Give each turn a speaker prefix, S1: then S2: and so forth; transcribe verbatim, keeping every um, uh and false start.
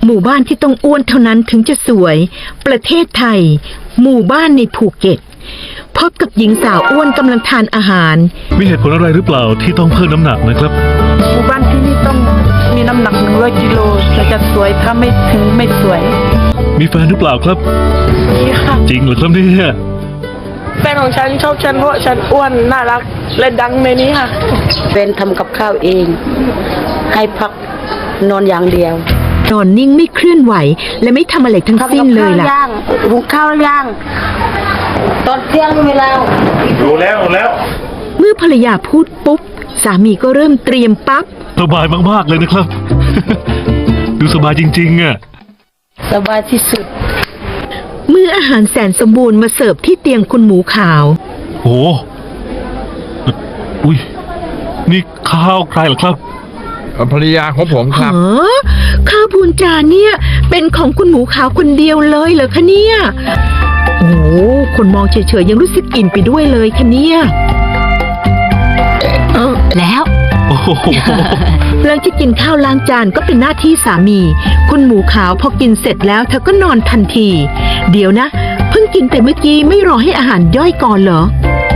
S1: หมู่บ้านที่ต้องอ้วนเท่านั้นถึงจะสวยประเทศไทยหมู่บ้านในภูเก็ตพบกับหญิงสาวอ้วนกำลังทานอาหาร
S2: มีเหตุผลอะไรหรือเปล่าที่ต้องเพิ่มน้ำหนักนะครับ
S3: หมู่บ้านที่นี่ต้องมีน้ำหนักหนึ่งร้อยกิโลถึงจะสวยถ้าไม่ถึงไม่สวย
S2: มีแฟนหรือเปล่าครับ
S3: มีค่ะ
S2: จริงเหรอครับเนี่ย
S3: แฟนของฉันชอบฉันเพราะฉันอ้วนน่ารักและดังในนี้ค่ะ
S4: แฟนทำกับข้าวเองให้พักนอนอย่างเดียวน
S1: อนนิ่งไม่เคลื่อนไหวและไม่ทำอะไรทั้งสิ้นเลยล่ะ
S4: หุงข้าวย่างตอนเที่ยงเวลา
S2: รู้แล้วรู้แล้ว
S1: เมื่อภรรยาพูดปุ๊บสามีก็เริ่มเตรียมปั๊บ
S2: สบายมากๆเลยนะครับ ดูสบายจริงๆอ่ะ
S4: สบายที่สุด
S1: เมื่ออาหารแสนสมบูรณ์มาเสิร์ฟที่เตียงคุณหมูขาว
S2: โอ้อุ้ยนี่ข้าวใครเหรอครับ
S5: ภรรยาของผมครับ
S1: อ๋อข้าวพูนจานเนี่ยเป็นของคุณหมูขาวคนเดียวเลยเหรอคะเนี่ยโอ้คนมองเฉยๆยังรู้สึกอิ่มไปด้วยเลยคะเนี่ยเออแล้วหลังจากกินข้าวล้างจานก็เป็นหน้าที่สามีคุณหมูขาวพอกินเสร็จแล้วเธอก็นอนทันทีเดี๋ยวนะเพิ่งกินไปเมื่อกี้ไม่รอให้อาหารย่อยก่อนเหรอ